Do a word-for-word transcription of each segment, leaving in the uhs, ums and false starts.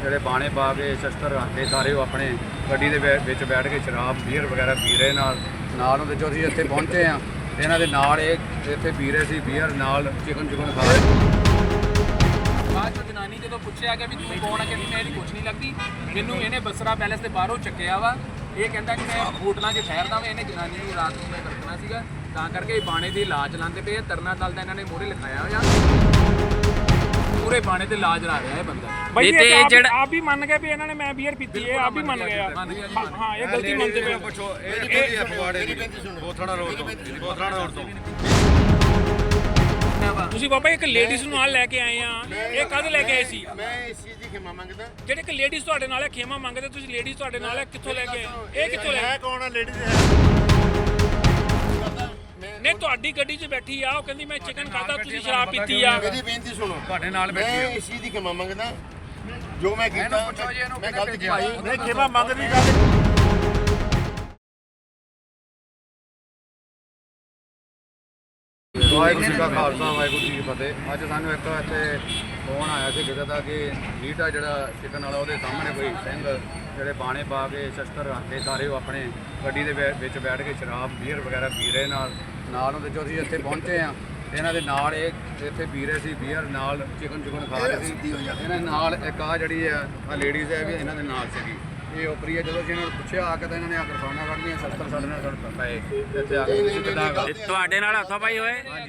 ਜਿਹੜੇ ਬਾਣੇ ਪਾ ਕੇ ਸ਼ਸਤਰ ਰੱਖ ਕੇ ਸਾਰੇ ਉਹ ਆਪਣੇ ਗੱਡੀ ਦੇ ਵਿ- ਵਿੱਚ ਬੈਠ ਕੇ ਸ਼ਰਾਬ ਬੀਅਰ ਵਗੈਰਾ ਪੀ ਰਹੇ ਨਾਲ ਨਾਲ ਉਹਦੇ ਜੋ ਅਸੀਂ ਇੱਥੇ ਪਹੁੰਚੇ ਆ ਇਹਨਾਂ ਦੇ ਨਾਲ ਇਹ ਇੱਥੇ ਪੀ ਰਹੇ ਸੀ ਬੀਅਰ ਨਾਲ ਚਿਕਨ ਚਿਕਨ ਖਾ ਰਹੇ। ਬਾਅਦ ਚੋਂ ਜਨਾਨੀ ਜਦੋਂ ਪੁੱਛਿਆ ਕਿ ਵੀ ਤੂੰ ਕੌਣ ਆ, ਕਹਿੰਦੀ ਮੈਂ ਇਹਦੀ ਕੁਛ ਨਹੀਂ ਲੱਗਦੀ, ਮੈਨੂੰ ਇਹਨੇ ਬਸਰਾ ਪੈਲੇਸ ਦੇ ਬਾਹਰੋਂ ਚੱਕਿਆ ਵਾ। ਇਹ ਕਹਿੰਦਾ ਕਿ ਮੈਂ ਹੋਟਲਾਂ 'ਚ ਠਹਿਰਦਾ ਵਾਂ। ਇਹਨੇ ਜਨਾਨੀ ਨੂੰ ਰਾਤ ਨੂੰ ਮੈਂ ਵਰਤਣਾ ਸੀਗਾ, ਤਾਂ ਕਰਕੇ ਇਹ ਬਾਣੇ ਦੀ ਲਾਜ ਲਾਉਂਦੇ ਪਏ ਆ। ਤਰਨਾ ਦਲ ਦਾ ਇਹਨਾਂ ਨੇ ਮੋਹਰੇ ਲਿਖਾਇਆ ਹੋਇਆ, ਪੂਰੇ ਬਾਣੇ ਤੇ ਲਾਜ ਲਾ ਰਿਹਾ ਇਹ ਬੰਦਾ। ਭਾਈ ਇਹ ਜਿਹੜਾ ਆਪ ਵੀ ਮੰਨ ਗਏ ਵੀ ਇਹਨਾਂ ਨੇ ਮੈਂ ਬੀਅਰ ਪੀਤੀ ਹੈ, ਆਪ ਵੀ ਮੰਨ ਗਏ ਆ। ਮੰਨ ਗਿਆ ਜੀ, ਮੰਨ ਹਾਂ ਇਹ ਗਲਤੀ ਮੰਨਦੇ ਪਏ। ਪੁੱਛੋ ਇਹ ਕਿਹਦੀ ਫਗਵਾੜੇ ਦੀ ਬੋਥੜਾ ਰੋਡ ਤੋਂ ਬੋਥੜਾ ਰੋਡ ਤੋਂ ਤੁਸੀਂ ਬਾਬਾ ਇੱਕ ਲੇਡੀਜ਼ ਨੂੰ ਨਾਲ ਲੈ ਕੇ ਆਏ ਆ, ਇਹ ਕਦ ਲੈ ਕੇ ਆਏ ਸੀ? ਮੈਂ ਇਸ ਚੀਜ਼ ਦੀ ਖਿਮਾ ਮੰਗਦਾ। ਜਿਹੜੇ ਕਿ ਲੇਡੀਜ਼ ਤੁਹਾਡੇ ਨਾਲ ਹੈ ਖੇਮਾ ਮੰਗਦੇ, ਤੁਸੀਂ ਲੇਡੀਜ਼ ਤੁਹਾਡੇ ਨਾਲ ਹੈ, ਕਿੱਥੋਂ ਲੈ ਕੇ ਆਏ? ਇਹ ਕਿੱਥੋਂ ਲੈ ਹੈ ਕੇ? ਕੌਣ ਆ ਲੇਡੀਜ਼? ਨਹੀਂ ਤੁਹਾਡੀ ਗੱਡੀ 'ਚ ਬੈਠੀ ਆ, ਉਹ ਕਹਿੰਦੀ ਮੈਂ ਚਿਕਨ ਖਾਦਾ, ਤੁਸੀਂ ਸ਼ਰਾਬ ਪੀਤੀ ਆ। ਮੇਰੀ ਬੇਨਤੀ ਸੁਣੋ, ਤੁਹਾਡੇ ਨਾਲ ਮੈਂ ਬੈਠੀ ਇਸ ਚੀਜ਼ ਦੀ ਖਿਮਾ ਮੰਗਦਾ। ਜੋ ਮੈਂ ਕੀਤਾ ਪੁੱਛੋ ਜੀ ਇਹਨੂੰ ਮੈਂ ਕਿਹਨੇ ਗਲਤ ਭੇਜਿਆ? ਕੀਤਾ। ਨਹੀਂ ਖਿਮਾ ਮੰਗਦੀ ਗੱਲ। ਵਾਹਿਗੁਰੂ ਜੀ ਕਾ ਖਾਲਸਾ ਵਾਹਿਗੁਰੂ ਜੀ ਕੀ ਫਤਿਹ। ਅੱਜ ਸਾਨੂੰ ਇੱਕ ਇੱਥੇ ਫੋਨ ਆਇਆ ਸੀ ਕਿਸੇ ਦਾ ਕਿ ਲੀਟਾ ਜਿਹੜਾ ਚਿਕਨ ਵਾਲਾ ਉਹਦੇ ਸਾਹਮਣੇ ਕੋਈ ਸਿੰਘ ਜਿਹੜੇ ਬਾਣੇ ਪਾ ਕੇ ਸ਼ਸਤਰ ਰੱਖ ਕੇ ਸਾਰੇ ਉਹ ਆਪਣੇ ਗੱਡੀ ਦੇ ਵਿ- ਵਿੱਚ ਬੈਠ ਕੇ ਸ਼ਰਾਬ ਬੀਅਰ ਵਗੈਰਾ ਪੀ ਰਹੇ ਨਾਲ ਨਾਲ ਉਹਦੇ ਜੋ ਅਸੀਂ ਇੱਥੇ ਪਹੁੰਚੇ ਆ ਇਹਨਾਂ ਦੇ ਨਾਲ ਇਹ ਇੱਥੇ ਪੀ ਰਹੇ ਸੀ ਬੀਅਰ ਨਾਲ ਚਿਕਨ ਚਿਕਨ ਖਾ ਰਹੇ ਸੀ। ਇਹਨਾਂ ਨਾਲ ਇੱਕ ਆ ਜਿਹੜੀ ਆ ਆ ਲੇਡੀਜ਼ ਹੈ ਵੀ ਇਹਨਾਂ ਦੇ ਨਾਲ ਸੀਗੀ। ਇਹ ਉਪਰੀ ਹੈ, ਜਦੋਂ ਅਸੀਂ ਇਹਨਾਂ ਨੂੰ ਪੁੱਛਿਆ ਆ ਕੇ ਤਾਂ ਇਹਨਾਂ ਨੇ ਆ ਕੇ ਫੋਨਾਂ ਕੱਢਦੀਆਂ ਸ਼ਸਤਰ ਸਾਡੇ ਨਾਲ ਸਾਡੇ ਪਏ ਇੱਥੇ ਆ ਕੇ ਤੁਸੀਂ ਕਿੱਦਾਂ ਕਰ ਤੁਹਾਡੇ ਨਾਲ ਹੱਥੋਂ ਪਾਈ ਹੋਏ? ਇੱਕ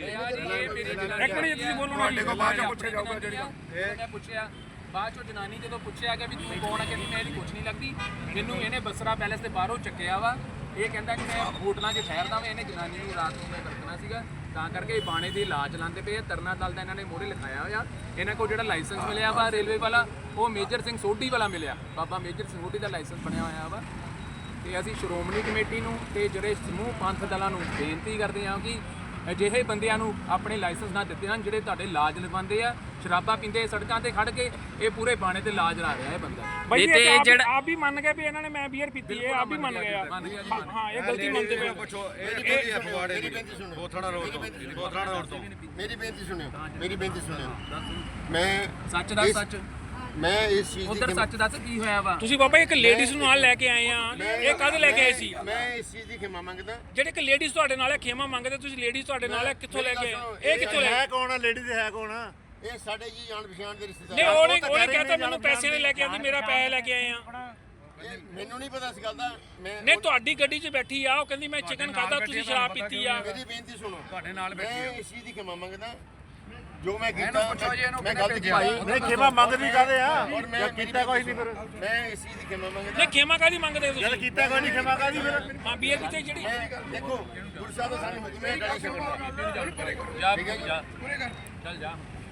ਮਿੰਟ ਤੁਸੀਂ ਬੋਲੋ ਨਾ। ਤੁਹਾਡੇ ਕੋਲ ਬਾਅਦ ਚੋਂ ਪੁੱਛਿਆ ਜਾਊਗਾ ਜਿਹੜੀ ਮੈਂ ਪੁੱਛਿਆ। ਬਾਅਦ ਚੋਂ ਜਨਾਨੀ ਜਦੋਂ ਪੁੱਛਿਆ ਕਿ ਵੀ ਤੂੰ ਕੌਣ ਆ, ਕਹਿੰਦੀ ਮੈਂ ਇਹਦੀ ਕੁਛ ਨਹੀਂ ਲੱਗਦੀ, ਮੈਨੂੰ ਇਹਨੇ ਬਸਰਾ ਪੈਲੇਸ ਦੇ ਬਾਹਰੋਂ ਚੱਕਿਆ ਵਾ। ਇਹ ਕਹਿੰਦਾ ਕਿ ਮੈਂ ਹੋਟਲਾਂ 'ਚ ਠਹਿਰਦਾ ਵਾਂ। ਇਹਨੇ ਜਨਾਨੀ ਨੂੰ ਰਾਤ ਨੂੰ ਮੈਂ ਵਰਤਣਾ ਸੀਗਾ, ਤਾਂ ਕਰਕੇ ਇਹ ਬਾਣੇ ਦੀ ਲਾਜ ਲਾਉਂਦੇ ਪਏ ਆ। ਤਰਨਾ ਦਲ ਦਾ ਇਹਨਾਂ ਨੇ ਮੋਹਰੇ ਲਿਖਾਇਆ ਹੋਇਆ। ਇਹਨਾਂ ਕੋਲ ਜਿਹੜਾ ਲਾਇਸੈਂਸ ਮਿਲਿਆ ਵਾ ਰੇਲਵੇ ਵਾਲਾ, ਉਹ ਮੇਜਰ ਸਿੰਘ ਸੋਢੀ ਵਾਲਾ ਮਿਲਿਆ। ਬਾਬਾ ਮੇਜਰ ਸਿੰਘ ਸੋਢੀ ਦਾ ਲਾਇਸੈਂਸ ਬਣਿਆ ਹੋਇਆ ਵਾ। ਤੇ ਅਸੀਂ ਸ਼੍ਰੋਮਣੀ ਕਮੇਟੀ ਨੂੰ ਤੇ ਜਿਹੜੇ ਸਮੂਹ ਪੰਥ ਦਲਾਂ ਨੂੰ ਬੇਨਤੀ ਕਰਦੇ ਹਾਂ ਕਿ ਅਜਿਹੇ ਬੰਦਿਆਂ ਨੂੰ ਆਪਣੇ ਲਾਇਸੈਂਸ ਨਾ ਦਿੱਤੇ ਹਨ, ਜਿਹੜੇ ਤੁਹਾਡੇ ਲਾਜ ਲਵਾਉਂਦੇ ਆ, ਸ਼ਰਾਬਾਂ ਪੀਂਦੇ ਸੜਕਾਂ ਤੇ ਖੜ ਕੇ। ਇਹ ਪੂਰੇ ਬਾਣੇ ਤੇ ਲਾਜ ਲਾ ਰਿਹਾ ਇਹ ਬੰਦਾ। ਭਾਈ ਤੇ ਇਹ ਜਿਹੜਾ- ਆਪ ਵੀ ਮੰਨ ਗਏ ਵੀ ਇਹਨਾਂ ਨੇ ਮੈਂ ਬੀਅਰ ਪੀਤੀ ਹੈ, ਆਪ ਵੀ ਮੰਨ ਗਏ ਆ। ਮੰਨ ਗਿਆ ਜੀ, ਮੰਨ ਹਾਂ ਇਹ ਗਲਤੀ ਮੰਨਦੇ ਪਏ। ਪੁੱਛੋ ਇਹ ਕਿਹਦੀ ਫਗਵਾੜੇ ਦੀ ਬੋਥੜਾ ਰੋਡ ਤੋਂ ਬੋਥੜਾ ਰੋਡ ਤੋਂ ਮੇਰੀ ਬੇਨਤੀ ਸੁਣਿਓ, ਮੇਰੀ ਬੇਨਤੀ ਸੁਣਿਓ। ਮੈਂ ਸੱਚ ਦੱਸ, ਸੱਚ ਮੈਂ ਇਸ ਚੀਜ਼ ਦੀ ਉਧਰ ਖਿਮਾ- ਸੱਚ ਦੱਸ ਕੀ ਹੋਇਆ ਵਾ। ਤੁਸੀਂ ਬਾਬਾ ਇੱਕ ਲੇਡੀਜ਼ ਨੂੰ ਨਾਲ ਲੈ ਕੇ ਆਏ ਆ, ਇਹ ਕਦ ਲੈ ਕੇ ਆਏ ਸੀ? ਮੈਂ ਇਸ ਚੀਜ਼ ਦੀ ਖਿਮਾ ਮੰਗਦਾ। ਜਿਹੜੇ ਕਿ ਲੇਡੀਜ਼ ਤੁਹਾਡੇ ਨਾਲ ਹੈ ਖੇਮਾ ਮੰਗਦੇ, ਤੁਸੀਂ ਲੇਡੀਜ਼ ਤੁਹਾਡੇ ਨਾਲ ਹੈ, ਕਿੱਥੋਂ ਲੈ ਕੇ ਆਏ? ਇਹ ਕਿੱਥੋਂ ਲੈ ਹੈ ਕੇ? ਕੌਣ ਆ ਲੇਡੀਜ਼? ਹੈ ਕੌਣ ਆ? ਇਹ ਸਾਡੇ ਜੀ ਜਾਣ ਪਛਾਣ ਦੇ ਰਿਸ਼ਤੇਦਾਰ। ਨਹੀਂ ਉਹਨੇ ਉਹਨੇ ਕਹਤਾ ਮੈਨੂੰ ਪੈਸੇ ਨੇ ਲੈ ਕੇ ਆਂਦੀ, ਮੇਰਾ ਪੈਸੇ ਲੈ ਕੇ ਆਏ ਆ। ਇਹ ਮੈਨੂੰ ਨਹੀਂ ਪਤਾ ਇਸ ਗੱਲ ਦਾ। ਮੈਂ ਨਹੀਂ ਤੁਹਾਡੀ ਗੱਡੀ 'ਚ ਬੈਠੀ ਆ, ਉਹ ਕਹਿੰਦੀ ਮੈਂ ਚਿਕਨ ਖਾਦਾ, ਤੁਸੀਂ ਸ਼ਰਾਬ ਪੀਤੀ ਆ। ਮੇਰੀ ਬੇਨਤੀ ਸੁਣੋ, ਤੁਹਾਡੇ ਨਾਲ ਮੈਂ ਬੈਠੀ ਇਸ ਚੀਜ਼ ਦੀ ਖਿਮਾ ਮੰਗਦਾ। ਜੋ ਮੈਂ ਕੀਤਾ ਇਹਨੂੰ ਪੁੱਛੋ ਜੀ ਇਹਨੂੰ ਮੈਂ ਕਿਹਨੇ ਗਲਤ ਭੇਜਿਆ? ਕੀਤਾ। ਨਹੀਂ ਖਿਮਾ ਮੰਗਦੀ ਕਾਦੇ ਆ? ਔਰ ਮੈਂ ਕੀਤਾ ਕੋਈ ਨਹੀਂ। ਫਿਰ ਮੈਂ ਇਸ ਚੀਜ਼ ਦੀ ਖਿਮਾ ਮੰਗਦਾ। ਨਹੀਂ ਖੇਮਾ ਕਾਦੀ ਮੰਗਦੇ ਹੋ ਤੁਸੀਂ? ਕੀਤਾ ਕੋਈ ਨਹੀਂ, ਖਿਮਾ ਕਾਦੀ? ਫਿਰ ਹਾਂ ਬੀਅਰ ਪੀਤੀ ਜਿਹੜੀ। ਮੈਂ ਦੇਖੋ ਗੁਰੂ ਸਾਹਿਬ ਦਾ ਸਾਨੂੰ ਹੁਕਮ ਹੈ ਗਾਲੀ ਛੱਡਣਾ। ਜਾ ਜਾ ਚੱਲ ਜਾ।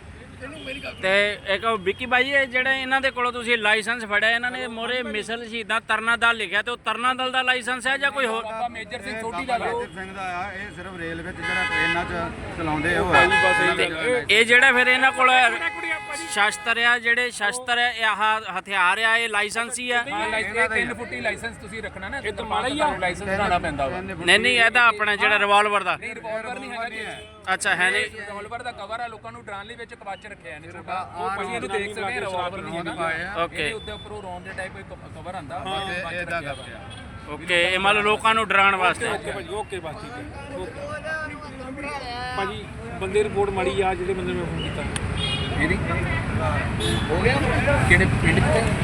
ਤੇ ਇੱਕ ਵਿੱਕੀ ਬਾਈ ਇਹ ਜਿਹੜੇ ਇਹਨਾਂ ਦੇ ਕੋਲੋਂ ਤੁਸੀਂ ਲਾਇਸੈਂਸ ਫੜਿਆ, ਇਹਨਾਂ ਨੇ ਮੋਰੇ ਮਿਸਲ ਸ਼ਹੀਦਾਂ ਤਰਨਾ ਦਲ ਲਿਖਿਆ, ਤੇ ਉਹ ਤਰਨਾ ਦਲ ਦਾ ਲਾਇਸੈਂਸ ਹੈ ਜਾਂ ਕੋਈ ਹੋਰ? ਬਾਬਾ ਮੇਜਰ ਸਿੰਘ ਸੋਢੀ ਦਾ ਵਾ। ਮੇਜਰ ਸਿੰਘ ਦਾ ਆ। ਇਹ ਸਿਰਫ ਰੇਲ ਵਿੱਚ ਜਿਹੜਾ ਟ੍ਰੇਨਾਂ 'ਚ ਚਲਾਉਂਦੇ ਉਹ ਆ। ਇਹ ਜਿਹੜਾ ਫਿਰ ਇਹਨਾਂ ਕੋਲ ਸ਼ਸਤਰ ਆ, ਜਿਹੜੇ ਸ਼ਸਤਰ ਆ, ਇਹ ਆਹ ਹਥਿਆਰ ਆ, ਇਹ ਲਾਇਸੈਂਸ ਹੀ ਆ? ਹਾਂ ਲਾਇਸੈਂਸ ਤਿੰਨ ਫੁੱਟੀ ਲਾਇਸੈਂਸ ਤੁਸੀਂ ਰੱਖਣਾ ਨਾ, ਇਹ ਤਾਂ ਮਾੜਾ ਹੀ ਆ। ਲਾਇਸੈਂਸ ਬਣਾਉਣਾ ਪੈਂਦਾ ਵਾ। ਨਹੀਂ ਨਹੀਂ ਇਹਦਾ ਆਪਣਾ ਜਿਹੜਾ ਰਿਵਾਲਵਰ ਦਾ। ਨਹੀਂ ਰਿਵਾਲਵਰ ਨਹੀਂ ਹੈਗਾ ਜੀ। ਅੱਛਾ ਹੈ ਨਹੀਂ। ਰਿਵਾਲਵਰ ਦਾ ਕਵਰ ਆ, ਲੋਕਾਂ ਨੂੰ ਡਰਾਉਣ ਲਈ ਵਿੱਚ ਕਵਚ ਰੱਖਿਆ ਨੇ ਛੋਟਾ। ਉਹ ਭਾਜੀ ਇਹਨੂੰ ਦੇਖ ਸਕਦੇ ਆ, ਰਿਵਾਲਵਰ ਨਹੀਂ ਹੈਗਾ। ਓਕੇ ਇਹਦੇ ਉੱਤੇ ਉੱਪਰੋਂ ਰੌਂਡ ਦੇ ਟਾਈਪ ਕੋਈ ਕਵਰ ਆਂਦਾ। ਇਹ ਇਦਾਂ ਕਰਦੇ ਆ। ਓਕੇ ਇਹ ਮੰਨ ਲਓ ਲੋਕਾਂ ਨੂੰ ਡਰਾਉਣ ਵਾਸਤੇ। ਓਕੇ ਭਾਜੀ, ਓਕੇ ਬਸ ਠੀਕ ਹੈ। ਓਕੇ ਭਾਜੀ ਬੰਦੇ ਰਿਪੋਰਟ ਮਾੜੀ ਆ, ਜਿਹੜੇ ਬੰਦੇ ਨੂੰ ਮੈਂ ਫੋਨ ਕੀਤਾ। ਇਹਦੀ ਹੋ ਗਿਆ ਕਿਹੜੇ ਪਿੰਡ ਚ?